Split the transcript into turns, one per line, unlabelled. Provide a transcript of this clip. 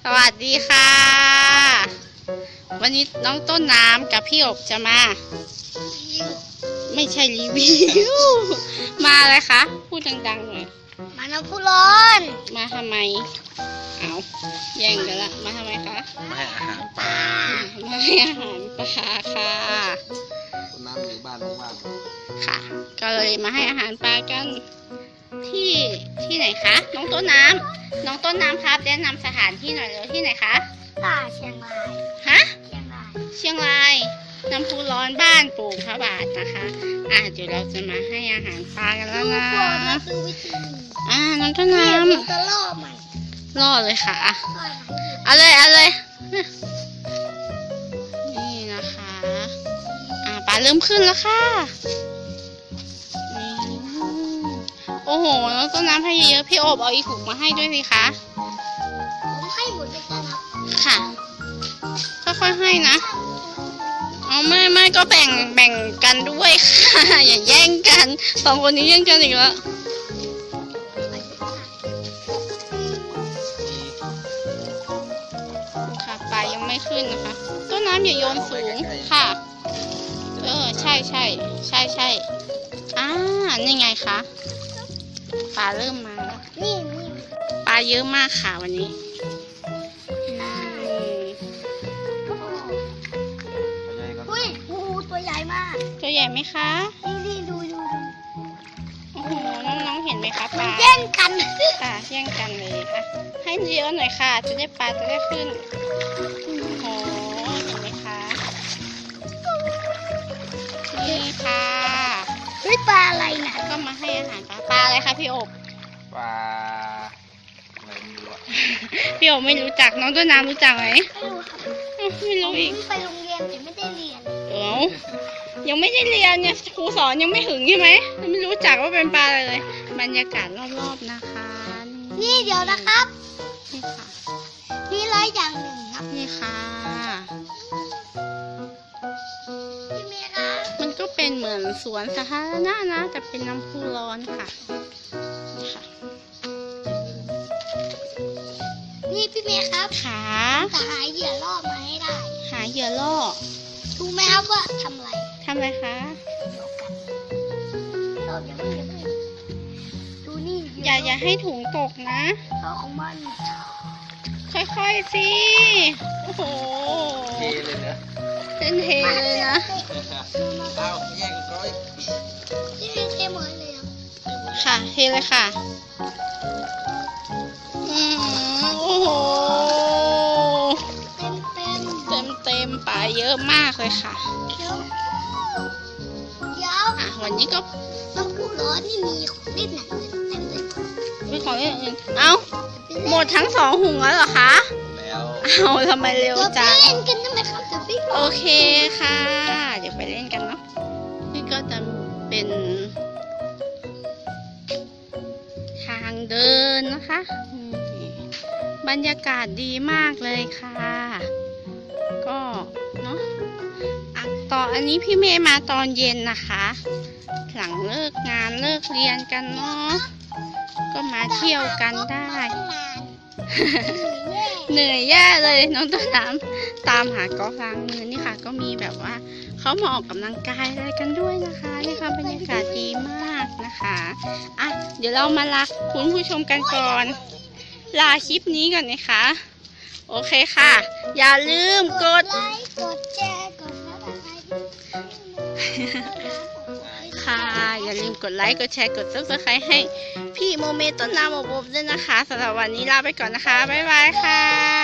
สวัสดีค่ะ วันนี้น้องต้นน้ำกับพี่อบจะมา ไม่ใช่รีวิว มาอะไรคะพูดดังๆหน่อย
มาน้ำพุร้อน
มาทำไมเอาแย่งกันละมาทำไมคะ
มาให้อาหารปลา
มาให้อาหารปลาค่ะ
ต้นน้ำอยู่บ้านว่าง
ค่ะ ก็เลยมาให้อาหารปลากันที่ไหนคะน้องต้นน้ำครับแนะนำสถานที่หน่อยเลยที่ไหนคะ
เชียงราย
ฮะ
เชียงราย
เชียงรายน้ำพุร้อนบ้านปู่พระบาทนะคะเดี๋ยวเราจะมาให้อาหารปลากันแล้วนะน้องต้นน้ำ
จะล่อใหม่
ล่อเลยค่ะเอาเลยนี่นะคะปลาเริ่มขึ้นแล้วค่ะโอ้โหน้องต้นน้ำให้เยอะพี่โอบเอาอีกถุงมาให้ด้วยสิคะ
ผมให้หมดเลยครับ
ค่ะค่อยๆให้นะไม่ก็แบ่งกันด้วยค่ะอย่าแย่งกันสองคนนี้แย่งกันอีกแล้วค่ะปลายังไม่ขึ้นนะคะต้นน้ำอย่าโยนสูงค่ะใช่นี่ไงคะปลาเริ่มมาแล้ว
นี่
ปลาเยอะมากค่ะวันนี้
อุ้ยตัวใหญ่มาก
ตัวใหญ่ไหมคะ
นี่ดู
โอ้โหน้องๆเห็นไหมคะปลา
แย่งกัน
ค่ะแย่งกันเลยค่ะให้เยอะหน่อยค่ะจะได้ปลาจะได้ขึ้นโอ้โหเห็นไหมคะนี่ค่ะ
เฮ้ยปลาอะไรนะ
ก็มาให้อาหารปลาอะไรคะพี่อบ
ปลาอะไรไม่รู้อะ
พี่อบไม่รู้จักน้องต้นน้ำรู้จักไหม
ไม่รู้
อีก
ไปโรงเรียนแต่ไม่ได้เรียน
ยังไม่ได้เรียนเนี่ยครูสอนยังไม่ถึงใช่ไหมไม่รู้จักว่าเป็นปลาอะไรเลยบรรยากาศรอบๆนะคะ
นี่เดี๋ยวนะครับ
นี่ค่ะ
มีอะไรอย่างหนึ่งครับ
นี่ค่ะ
พี่เมย์ครับ
มันก็เป็นเหมือนสวนสาธารณะนะแต่เป็นน้ำพุร้อนค่ะ
นี่พี่เมย์ครับ
ขา
จะหาเหยื่อล่อมาให้ได้
หาเหยื่อล่อ
รู้ไหมครับว่าทำอะไร
คะ
ดูนี่
อย่าให้ถุงตกนะ
ของมัน
ค่อยๆสิโอ้โห
เทเลยนะ
เป็นเทเลยนะ
เอาแยกก้อย
เทหมดเลย
ค่ะเทเลยค่ะโอ้โหเต็มปลาเยอะมากเลยค่ะวันนี้ก็
น้ำพุร้อนนี่มีของเล่นหนังเต็มเลย
มีของเล่นอื่นหมดทั้ง2 ถุงแล้วเหรอคะ
แล้ว
ทำไมเร็วจัง
เล่นกันได้ไหมครับ
โอเคค่ะเดี๋ยวไปเล่นกันเนาะนี่ก็จะเป็นทางเดินนะคะบรรยากาศดีมากเลยค่ะก็เนาะอันนี้พี่เมย์มาตอนเย็นนะคะหลังเลิกงานเลิกเรียนกันเนาะก็มาเที่ยวกันได้เหนื่อยแย่เลยน้องต้นน้ำตามหากอล์ฟล้างมือนี่ค่ะก็มีแบบว่าเขามาออกกำลังกายอะไรกันด้วยนะคะนี่ค่ะบรรยากาศดีมากนะคะเดี๋ยวเรามาลาคุณผู้ชมกันก่อนลาคลิปนี้ก่อนนะคะโอเคค่ะอย่าลืมกด
ไลค์กดแชร์กด
ค่ะอย่าลืมกดไลค์กดแชร์กด Subscribe ให้พี่โมเมต้นน้ำอบด้วยนะคะสำหรับวันนี้ลาไปก่อนนะคะบ๊ายบายค่ะ